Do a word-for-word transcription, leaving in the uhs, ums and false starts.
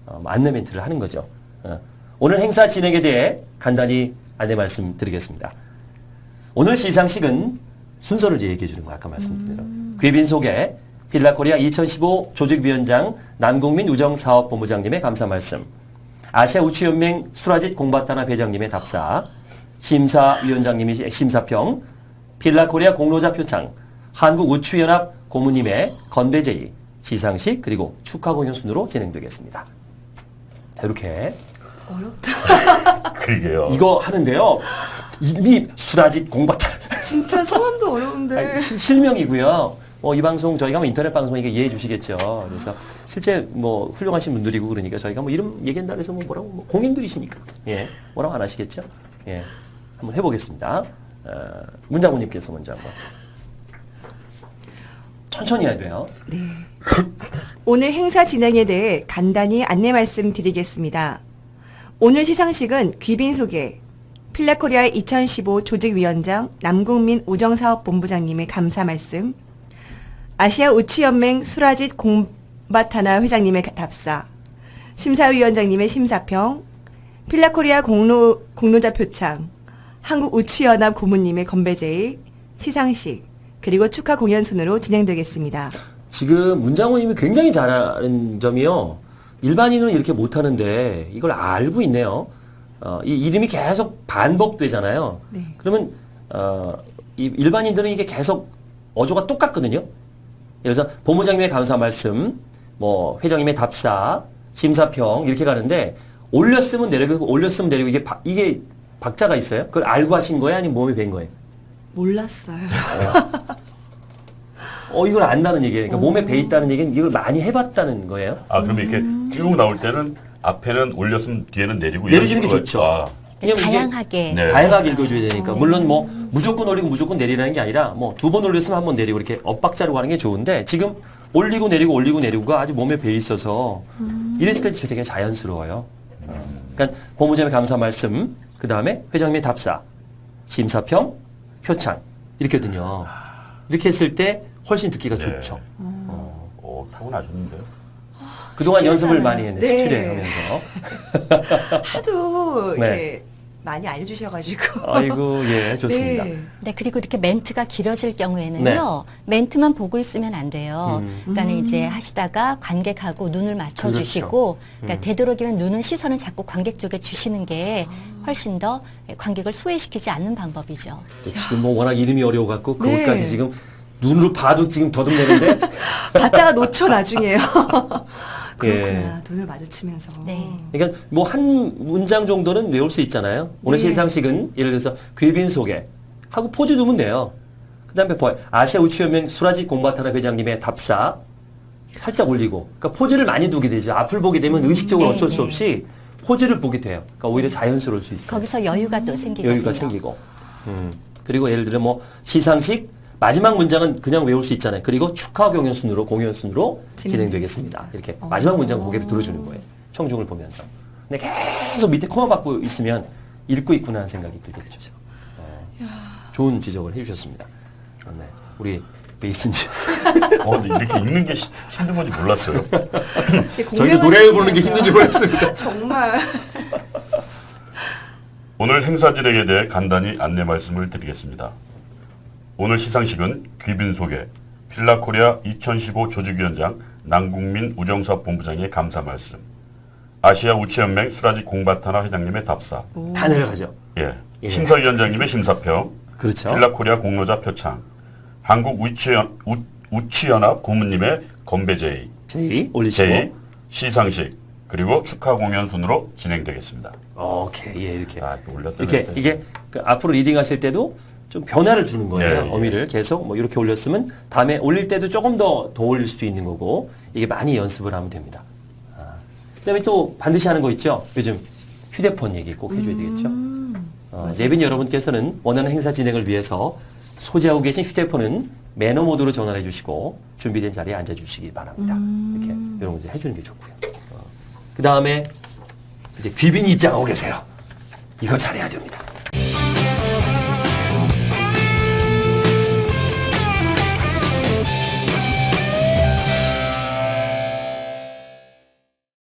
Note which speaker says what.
Speaker 1: 어, 안내 멘트를 하는 거죠. 어, 오늘 행사 진행에 대해 간단히 안내 말씀드리겠습니다. 오늘 시상식은 순서를 이제 얘기해 주는 거 아까 말씀드린 대로. 음. 귀빈 소개, 필라코리아 이천십오 조직위원장 남국민 우정사업본부장님의 감사 말씀, 아시아 우추연맹 수라짓 공바타나 회장님의 답사, 심사위원장님의 심사평, 필라코리아 공로자 표창, 한국우추연합 고문님의 건배 제의, 시상식 그리고 축하 공연 순으로 진행되겠습니다. 자, 이렇게
Speaker 2: 어렵다.
Speaker 3: 그러게요.
Speaker 1: 이거 하는데요. 이름이 수라짓 공바타.
Speaker 2: 진짜 성함도 어려운데.
Speaker 1: 아니, 시, 실명이고요. 어, 이 방송 저희가 뭐 인터넷 방송이니까 이해해 주시겠죠. 그래서 실제 뭐 훌륭하신 분들이고 그러니까 저희가 뭐 이름 얘기한다 그래서 뭐 뭐라고 뭐 공인들이시니까 예 뭐라고 안 하시겠죠. 예 한번 해보겠습니다. 어, 문장훈님께서 먼저 한번 천천히 해야 돼요.
Speaker 2: 네. 오늘 행사 진행에 대해 간단히 안내 말씀드리겠습니다. 오늘 시상식은 귀빈 소개, 필라코리아 이천십오 조직위원장 남국민 우정사업본부장님의 감사 말씀, 아시아 우추연맹 수라짓 공바타나 회장님의 답사, 심사위원장님의 심사평, 필라코리아 공로, 공로자 표창, 한국우추연합 고문님의 건배제의, 시상식, 그리고 축하 공연 순으로 진행되겠습니다.
Speaker 1: 지금 문장훈님이 굉장히 잘하는 점이요. 일반인은 이렇게 못하는데 이걸 알고 있네요. 어, 이 이름이 계속 반복되잖아요.
Speaker 2: 네.
Speaker 1: 그러면 어, 이 일반인들은 이게 계속 어조가 똑같거든요. 예를 들어서 본부장님의 감사 말씀, 뭐 회장님의 답사, 심사평 이렇게 가는데 올렸으면 내리고 올렸으면 내리고 이게 바, 이게 박자가 있어요? 그걸 알고 하신 거예요? 아니면 몸에 밴 거예요?
Speaker 2: 몰랐어요.
Speaker 1: 어 이걸 안다는 얘기예요. 그러니까 몸에 배 있다는 얘기는 이걸 많이 해봤다는 거예요.
Speaker 3: 아, 그러면 이렇게 쭉 나올 때는 앞에는 올렸으면 뒤에는 내리고 이런
Speaker 1: 내려주는 게
Speaker 3: 식으로
Speaker 1: 좋죠.
Speaker 3: 아,
Speaker 1: 왜냐면 이게
Speaker 4: 다양하게.
Speaker 3: 네.
Speaker 1: 다양하게 읽어줘야 되니까.
Speaker 4: 네.
Speaker 1: 물론 뭐 무조건 올리고 무조건 내리라는 게 아니라 뭐 두 번 올렸으면 한 번 내리고 이렇게 엇박자로 가는 게 좋은데 지금 올리고 내리고 올리고 내리고가 아주 몸에 배 있어서 이랬을 때 되게 자연스러워요. 그러니까 본부장의 감사 말씀, 그 다음에 회장님의 답사, 심사평, 표창 이렇게거든요. 이렇게 했을 때 훨씬 듣기가
Speaker 3: 네.
Speaker 1: 좋죠.
Speaker 3: 어, 어, 타고나셨는데요.
Speaker 1: 그동안 연습을
Speaker 2: 시추례잖아요.
Speaker 1: 많이 했네.
Speaker 2: 네.
Speaker 1: 시추례하면서.
Speaker 2: 하도
Speaker 1: 네.
Speaker 2: 이렇게 많이 알려주셔가지고.
Speaker 1: 아이고 예 좋습니다.
Speaker 2: 네.
Speaker 4: 네, 그리고 이렇게 멘트가 길어질 경우에는요, 멘트만 보고 있으면 안 돼요.
Speaker 1: 음.
Speaker 4: 그러니까
Speaker 2: 음.
Speaker 4: 이제 하시다가 관객하고 눈을 맞춰주시고, 그러니까
Speaker 1: 음.
Speaker 4: 되도록이면 눈은 시선은 자꾸 관객 쪽에 주시는 게 훨씬 더 관객을 소외시키지 않는 방법이죠.
Speaker 1: 네, 지금 뭐 워낙 이름이 어려워갖고
Speaker 2: 네.
Speaker 1: 그것까지 지금 눈으로 봐도 지금 더듬내는데
Speaker 2: 봤다가 놓쳐 나중에요. 그렇구나.
Speaker 1: 예.
Speaker 2: 눈을 마주치면서.
Speaker 4: 네.
Speaker 1: 그러니까 뭐 한 문장 정도는 외울 수 있잖아요. 오늘
Speaker 2: 네.
Speaker 1: 시상식은 예를 들어서 귀빈 소개 하고 포즈 두면 돼요. 그다음에 뭐 아시아 우추연맹 수라짓 공바타나 회장님의 답사 살짝 올리고 그러니까 포즈를 많이 두게 되죠. 앞을 보게 되면 의식적으로
Speaker 4: 네,
Speaker 1: 어쩔 수
Speaker 4: 네.
Speaker 1: 없이 포즈를 보게 돼요. 그러니까 오히려 자연스러울 수 있어요.
Speaker 4: 거기서 여유가 또 생기거든요.
Speaker 1: 여유가 생기고. 음. 그리고 예를 들어 뭐 시상식 마지막 문장은 그냥 외울 수 있잖아요. 그리고 축하 공연 순으로 공연 순으로 진행되겠습니다. 이렇게
Speaker 2: 어.
Speaker 1: 마지막 문장 고개를 들어주는 거예요. 청중을 보면서. 근데 계속 밑에 코마 받고 있으면 읽고 있구나 하는 생각이 들겠죠. 어, 좋은 지적을 해주셨습니다. 어, 네. 우리 베이스님.
Speaker 3: 어, 근데 이렇게 읽는 게 시- 힘든 건지 몰랐어요.
Speaker 1: 저희도 노래 부르는 게 힘든지 몰랐습니다.
Speaker 2: 정말.
Speaker 3: 오늘 행사 진행에 대해 간단히 안내 말씀을 드리겠습니다. 오늘 시상식은 귀빈 소개, 필라코리아 이천십오 조직위원장 남국민 우정사업본부장의 감사 말씀, 아시아 우추연맹 수라짓 공바타나 회장님의 답사,
Speaker 1: 다 내려가죠.
Speaker 3: 예,
Speaker 1: 예.
Speaker 3: 심사위원장님의 심사평,
Speaker 1: 그렇죠.
Speaker 3: 필라코리아 공로자 표창, 한국 우추연, 우, 우추연합 고문님의 건배제의,
Speaker 1: 제이 올리시고.
Speaker 3: 제의, 시상식, 그리고 축하 공연 순으로 진행되겠습니다.
Speaker 1: 오케이. 예, 이렇게.
Speaker 3: 아, 이렇게 올렸다
Speaker 1: 이렇게
Speaker 3: 냈다.
Speaker 1: 이게 그 앞으로 리딩 하실 때도 좀 변화를 주는 거예요.
Speaker 3: 네, 예.
Speaker 1: 어미를 계속 뭐 이렇게 올렸으면 다음에 올릴 때도 조금 더 더 올릴 수도 있는 거고 이게 많이 연습을 하면 됩니다. 아. 그다음에 또 반드시 하는 거 있죠. 요즘 휴대폰 얘기 꼭 해줘야 되겠죠.
Speaker 2: 음.
Speaker 1: 어, 예빈 여러분께서는 원하는 행사 진행을 위해서 소지하고 계신 휴대폰은 매너 모드로 전환해 주시고 준비된 자리에 앉아 주시기 바랍니다.
Speaker 2: 음.
Speaker 1: 이렇게 이런 거 이제 해주는 게 좋고요. 어. 그 다음에 이제 귀빈이 입장하고 계세요. 이거 잘해야 됩니다.